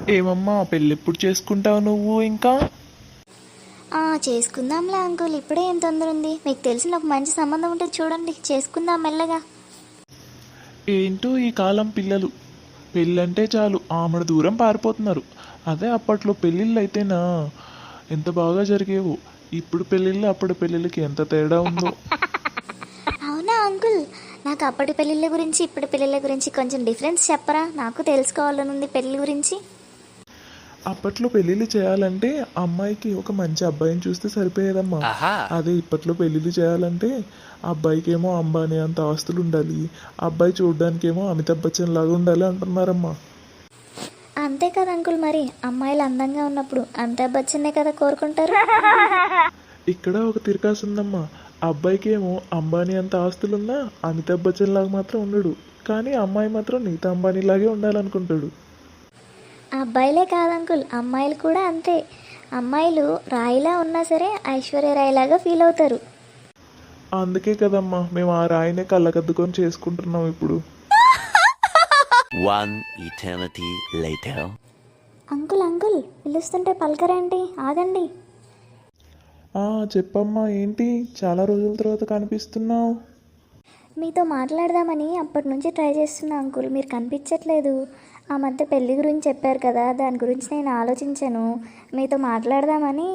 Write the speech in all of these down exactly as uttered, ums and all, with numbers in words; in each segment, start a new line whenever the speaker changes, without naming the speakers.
ఏమమ్మా పెళ్ళెప్పుడు చేసుకుంటావు నువ్వు ఇంకా?
చేసుకుందాంలే అంకుల్, ఇప్పుడే ఏం తొందర ఉంది? మీకు తెలిసిన ఒక మంచి సంబంధం ఉంటే చూడండి, చేసుకుందాం మెల్లగా.
ఏంటో ఈ కాలం పిల్లలు పెళ్ళంటే చాలు ఆమెడ దూరం పారిపోతున్నారు. అదే అప్పట్లో పెళ్ళిళ్ళు అయితేనా ఎంత బాగా జరిగేవో. ఇప్పుడు పెళ్ళిళ్ళు అప్పటి పెళ్ళిళ్ళకి ఎంత తేడా ఉందో.
అవునా అంకుల్, నాకు అప్పటి పెళ్ళిళ్ళ గురించి ఇప్పటి పెళ్ళిళ్ళ గురించి కొంచెం డిఫరెన్స్ చెప్పరా? నాకు తెలుసుకోవాలనుంది పెళ్ళి గురించి.
అప్పట్లో పెళ్ళిళ్ళు చేయాలంటే అమ్మాయికి ఒక మంచి అబ్బాయిని చూస్తే సరిపోయేదమ్మా. అదే ఇప్పట్లో పెళ్ళిళ్ళు చేయాలంటే అబ్బాయికి ఏమో అంబానీ అంత ఆస్తులు ఉండాలి, అబ్బాయి చూడడానికేమో అమితాబ్ బచ్చన్ లాగా ఉండాలి అంటున్నారమ్మా.
అంతే కదా అంకుల్, మరి అమ్మాయిలు అందంగా ఉన్నప్పుడు అమితాబ్ బచ్చన్నే కదా కోరుకుంటారు.
ఇక్కడ ఒక తిరకాసు ఉందమ్మా. అబ్బాయికి ఏమో అంబానీ అంత ఆస్తులున్నా అమితాబ్ బచ్చన్ లాగా మాత్రం ఉండడు, కానీ అమ్మాయి మాత్రం నీతా అంబానీ లాగే ఉండాలనుకుంటాడు.
అబ్బాయిలే కాదు అంకుల్, అమ్మాయిలు కూడా అంతే. అమ్మాయిలు రాయిలా ఉన్నా సరే ఐశ్వర్య రాయిలాగా ఫీల్ అవుతారు.
అందుకే కదమ్మా మేము ఆ రాయినే కళ్ళకద్దుకొని చేసుకుంటున్నాం ఇప్పుడు.
One eternity later.
Uncle uncle పిలుస్తుంటే పలకరేంటి? ఆగండి.
చెప్పమ్మా, ఏంటి చాలా రోజుల తర్వాత కనిపిస్తున్నావు?
మీతో మాట్లాడదామని అప్పటి నుంచి ట్రై చేస్తున్నా అంకుల్, మీరు కనిపించట్లేదు. ఆ మధ్య పెళ్ళి గురించి చెప్పారు కదా, దాని గురించి నేను ఆలోచించాను, మీతో మాట్లాడదామని.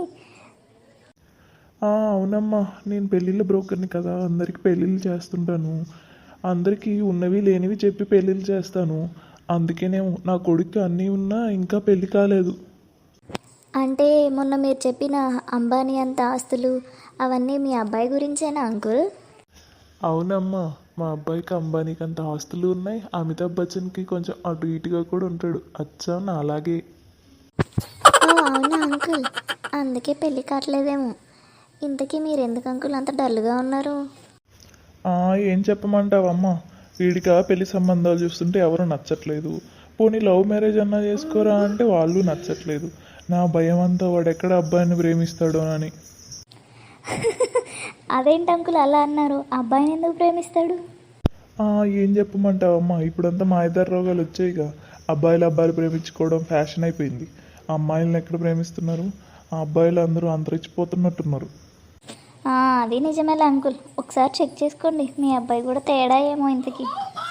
అవునమ్మా, నేను పెళ్ళిళ్ళ బ్రోకర్ని కదా, అందరికి పెళ్ళిళ్ళు చేస్తుంటాను. అందరికీ ఉన్నవి లేనివి చెప్పి పెళ్ళిళ్ళు చేస్తాను. అందుకేనేమో నా కొడుకు అన్నీ ఉన్నా ఇంకా పెళ్ళి కాలేదు.
అంటే మొన్న మీరు చెప్పిన అంబానీ అంత ఆస్తులు అవన్నీ మీ అబ్బాయి గురించేనా అంకుల్?
అవునమ్మా, మా అబ్బాయికి అంబానీకి అంత ఆస్తులు ఉన్నాయి, అమితాబ్ బచ్చన్కి కొంచెం అటు ఇటుగా కూడా ఉంటాడు, అచ్చా నా అలాగే.
అవునా అంకుల్, అందుకే పెళ్ళి కావట్లేదేమో. ఇంతకీ మీరు ఎందుకు అంకుల్ అంత డల్గా ఉన్నారు?
ఏం చెప్పమంటావమ్మా, వీడిగా పెళ్లి సంబంధాలు చూస్తుంటే ఎవరు నచ్చట్లేదు. పోనీ లవ్ మ్యారేజ్ అన్నా చేసుకోరా అంటే వాళ్ళు నచ్చట్లేదు. నా భయం అంతా వాడు ఎక్కడ అబ్బాయిని ప్రేమిస్తాడో అని.
అదేంటి అంకుల్ అలా అన్నారు? అబ్బాయిని ఎందుకు ప్రేమిస్తాడు?
ఏం చెప్పమంటావమ్మా, ఇప్పుడంతా మా ఇద్దరు రోగాలు వచ్చాయిగా. అబ్బాయిలు అబ్బాయిలు ప్రేమించుకోవడం ఫ్యాషన్ అయిపోయింది. అమ్మాయిలను ఎక్కడ ప్రేమిస్తున్నారు? ఆ అబ్బాయిలు అందరూ అంతరించిపోతున్నట్టున్నారు.
అది నిజమేలే అంకుల్, ఒకసారి చెక్ చేసుకోండి, మీ అబ్బాయి కూడా తేడా ఏమో ఇంతకి.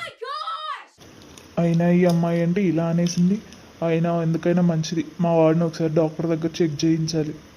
అయినా ఈ అమ్మాయి అంటే ఇలా అనేసింది. అయినా ఎందుకైనా మంచిది మా వాడిని ఒకసారి డాక్టర్ దగ్గర చెక్ చేయించాలి.